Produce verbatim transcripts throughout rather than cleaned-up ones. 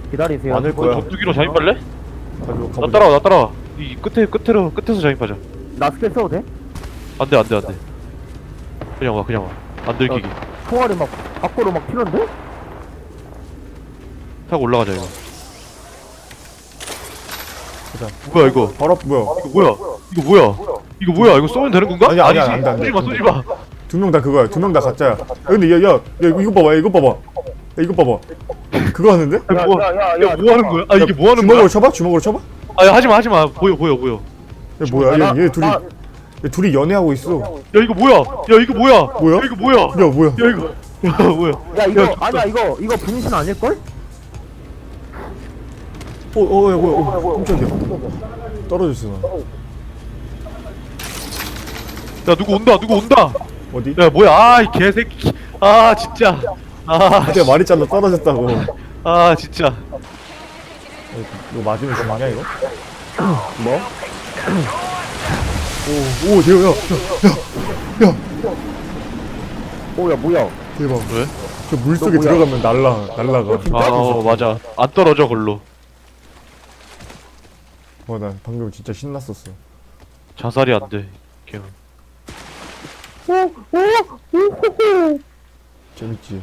기다리세요. 많을 거야. 전투기로 잠입할래? 가지고 나 가보자. 따라와 나 따라와. 이 끝에 끝으로 끝에서 잠입하자. 나 스킬 써도 돼? 안돼 안돼 안돼. 그냥 와 그냥 와. 안 들키기. 총알이 막 밖으로 막 튀는데? 타고 올라가자 이거. 가자. 뭐야 이거? 바로 앞 뭐야? 이거 뭐야? 이거 뭐야? 이거 뭐야? 이거 쏘면 되는 건가? 아니야, 아니야, 아니지. 안 돼, 안 돼. 쏘지 마 쏘지 마. 두 명 다 그거야. 두 명 다 가짜야. 야, 근데 야, 야, 야 이거, 이거 봐봐. 야, 이거 봐봐. 야, 이거 봐봐. 그거 하는데? 야, 야, 뭐, 야, 야, 야, 야, 뭐 하는 거야? 아 이게 뭐 하는 주먹으로 거야? 쳐봐? 주먹으로 쳐봐? 아 야, 하지마 하지마. 보여 보여 보여. 야, 뭐야? 나- 얘, 얘 둘이, 나- 얘 둘이 연애하고 있어. 야 이거 뭐야? 야 이거 뭐야? 뭐야? 야, 이거 뭐야? 야 야, 뭐야? 이거 야 뭐야? 야 이거 야, 아니야 이거 이거 분신 아닐걸? 어, 어, 야, 뭐야? 어, 깜짝이야. 떨어졌어, 나. 야 누구 온다 누구 온다. 어디? 야 뭐야? 아이 개새끼. 아 진짜. 아, 내가 말했잖아, 떨어졌다고. 아 진짜. 이거 맞으면 죽냐, 이거? 뭐? 오, 오, 대박, 야, 야, 야, 야. 오야 뭐야? 대박. 왜? 저 물속에 너 뭐야? 들어가면 날라, 날라가. 아 어, 맞아. 안 떨어져 글로. 어, 나 방금 진짜 신났었어. 자살이 안 돼. 걔는. 재밌지?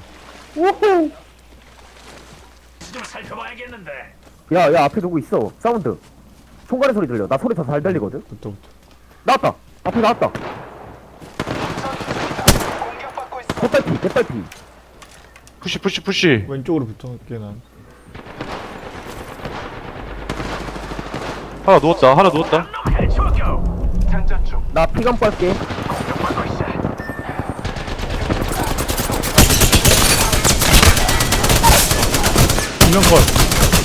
좀 살펴봐야겠는데. 야야 앞에 누구 있어? 사운드. 총괄의 소리 들려. 나 소리 더 잘 들리거든. 부터부터. 나왔다. 앞에 나왔다. 공격받고 있어. 개빨피 개빨피. 푸시 푸시 푸시. 왼쪽으로 붙어갈게, 난. 하나 누웠다 하나 누웠다. 놈의 죽여. 장전 중. 나 피감 빨게. 공격받고 있어. 두명 컷.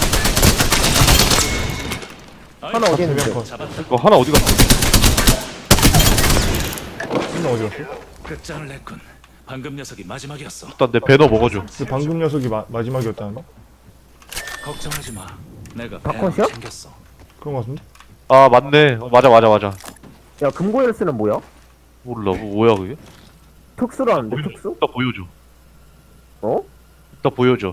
하나 어디 있는데? 두명 컷. 이거 하나 어디 갔어? 한명 어디 갔어? 끝장을 냈군. 방금 녀석이 마지막이었어. 일단 내 배너 먹어줘. 그 방금 녀석이 마, 마지막이었다는데? 걱정하지 마. 내가 바꿔시야? 배낭 챙겼어. 그런 거 같은데? 아 맞네. 어, 맞아 맞아 맞아. 야 금고 열쇠는 뭐야? 몰라 뭐, 뭐야 그게? 특수라는데 보여줘. 특수? 이따 보여줘. 어? 이따 보여줘.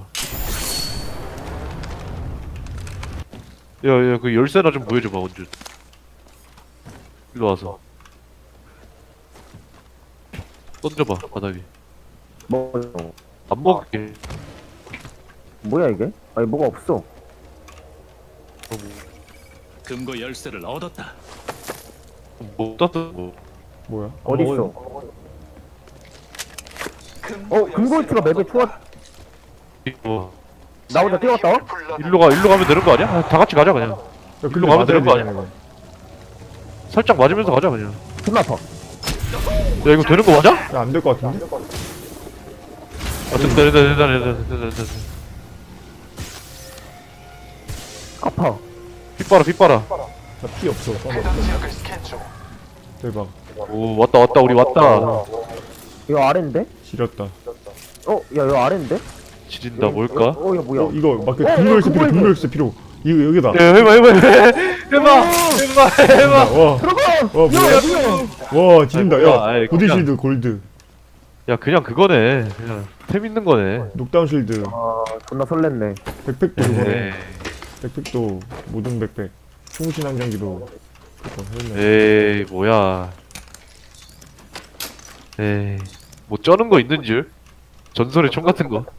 야야 그 열쇠나 좀 보여줘봐 언제. 일로 와서. 던져봐 바닥에. 뭐 안 먹을게. 뭐야 이게? 아니 뭐가 없어. 어, 뭐, 금고 열쇠를 얻었다. 뭐 땄던 거. 뭐야? 어디 있어? 어 금고 열쇠가 맵에 추워. 이거 나 혼자 뛰어갔다. 와? 일로 가 일로 가면 되는 거 아니야? 아, 다 같이 가자 그냥. 야, 일로 근데 가면 맞아야 되는 거 되잖아, 아니야? 이거. 살짝 맞으면서 가자 그냥. 존나 아파. 야 이거 되는 거 맞아? 야, 안 될 것 같은데? 아 됐다 됐다 됐다 됐다 됐다 됐다. 아파. pit봐라pit봐라 나 피 없어. 해당 지역을 스캔 중. 대박. 오 왔다 왔다 우리 왔다. 이거 아래인데? 지렸다. 어? 야 이거 아래인데? 지린다 뭘까? 어 이거 뭐야? 어, 이거 막 그 어, 금고 열쇠 어, 필요, 금고 금고 열쇠 필요. 이거 여기다. 야 해봐 해봐 해봐 해봐 해봐. 와, 들어가! 와, 뭐야? 야 뭐야? 와, 지린다. 아이, 뭐야, 야, 아이, 보디 그냥- 실드 골드. 야 그냥 그거네. 그냥 템 있는 거네. 녹다운 실드. 아 존나 설렜네. 백팩도 이거네. 에이, 백팩도 모든 백팩. 충신한 장기도 그거 했네. 에이 뭐야. 에이 뭐 쩌는 거 있는 줄? 전설의 총 같은 거.